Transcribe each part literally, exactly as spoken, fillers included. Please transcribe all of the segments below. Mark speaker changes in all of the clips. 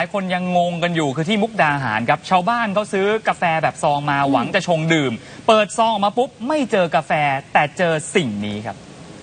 Speaker 1: หลายคนยังงงกันอยู่คือที่มุกดาหารครับชาวบ้านเขาซื้อกาแฟแบบซองมาหวังจะชงดื่มเปิดซองออกมาปุ๊บไม่เจอกาแฟแต่เจอสิ่งนี้ครับ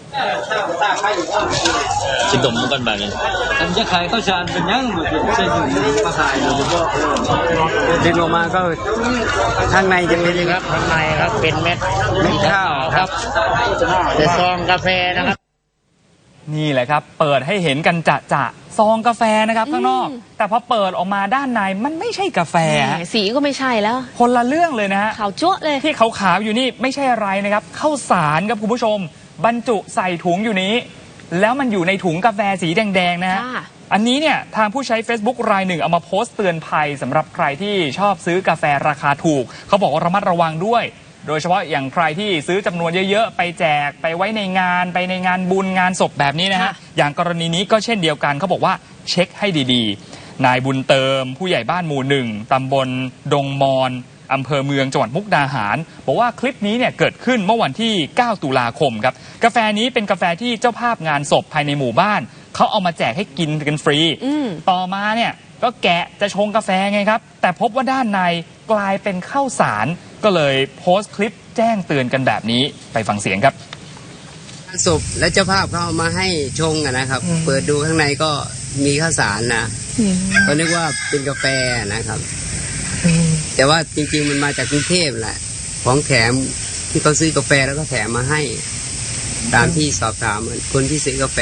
Speaker 2: ชิดดมกันแบบนี้อันจะขายข้าวสารเป็นยังหมดใช่ถึงมาขายโดยเฉพาะดึงออกมาก็ข้างในจะเป็นครับข้างในครับเป็นเม็ดเม็ดข้าวครับแต่ซองกาแฟนะครับ
Speaker 1: นี่แหละครับเปิดให้เห็นกันจะจะซองกาแฟนะครับข้างนอกแต่พอเปิดออกมาด้านในมันไม่ใช่กาแฟ
Speaker 3: สีก็ไม่ใช่แล้ว
Speaker 1: คนละเรื่องเลยนะฮะ
Speaker 3: ขาวจั๊วเลย
Speaker 1: ที่ขาวๆอยู่นี่ไม่ใช่อะไรนะครับข้าวสารครับคุณผู้ชมบรรจุใส่ถุงอยู่นี้แล้วมันอยู่ในถุงกาแฟสีแดงๆนะฮะอันนี้เนี่ยทางผู้ใช้ Facebook รายหนึ่งเอามาโพสต์เตือนภัยสำหรับใครที่ชอบซื้อกาแฟราคาถูกเขาบอกว่าระมัดระวังด้วยโดยเฉพาะอย่างใครที่ซื้อจำนวนเยอะๆไปแจกไปไว้ในงานไปในงานบุญงานศพแบบนี้นะฮะอย่างกรณีนี้ก็เช่นเดียวกันเขาบอกว่าเช็คให้ดีๆนายบุญเติมผู้ใหญ่บ้านหมู่หนึ่งตำบลดงมอนอำเภอเมืองจังหวัดมุกดาหารบอกว่าคลิปนี้เนี่ยเกิดขึ้นเมื่อวันที่เก้าตุลาคมครับกาแฟนี้เป็นกาแฟที่เจ้าภาพงานศพภายในหมู่บ้านเขาเอามาแจกให้กินกันฟรีต่อมาเนี่ยก็แกะจะชงกาแฟไงครับแต่พบว่าด้านในกลายเป็นข้าวสารก็เลยโพสต์คลิปแจ้งเตือนกันแบบนี้ไปฟังเสียงครับ
Speaker 4: ศพและเจ้าภาพเขาเอามาให้ชงนะครับเปิดดูข้างในก็มีข้าวสารนะก็นึกว่าเป็นกาแฟนะครับแต่ว่าจริงๆมันมาจากกรุงเทพแหละของแถมที่เขาซื้อกาแฟแล้วก็แถมมาให้ตามที่สอบถามคนที่ซื้อกาแฟ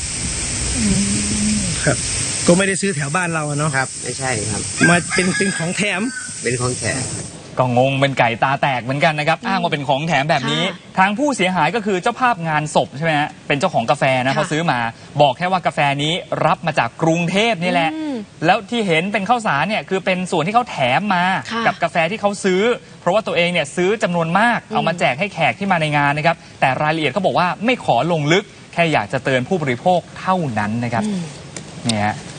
Speaker 5: ครับก็ไม่ได้ซื้อแถวบ้านเราเนาะ
Speaker 4: ครับไม่ใช่ครับ
Speaker 5: มาเป็นเป็นของแถม
Speaker 4: เป็นของแถม
Speaker 1: ก็งงเป็นไก่ตาแตกเหมือนกันนะครับอ้างว่าเป็นของแถมแบบนี้ทางผู้เสียหายก็คือเจ้าภาพงานศพใช่ไหมฮะเป็นเจ้าของกาแฟนะเขาซื้อมาบอกแค่ว่ากาแฟนี้รับมาจากกรุงเทพนี่แหละแล้วที่เห็นเป็นข้าวสารเนี่ยคือเป็นส่วนที่เขาแถมมากับกาแฟที่เขาซื้อเพราะว่าตัวเองเนี่ยซื้อจำนวนมากเอามาแจกให้แขกที่มาในงานนะครับแต่รายละเอียดเขาบอกว่าไม่ขอลงลึกแค่อยากจะเตือนผู้บริโภคเท่านั้นนะครับเนี่ย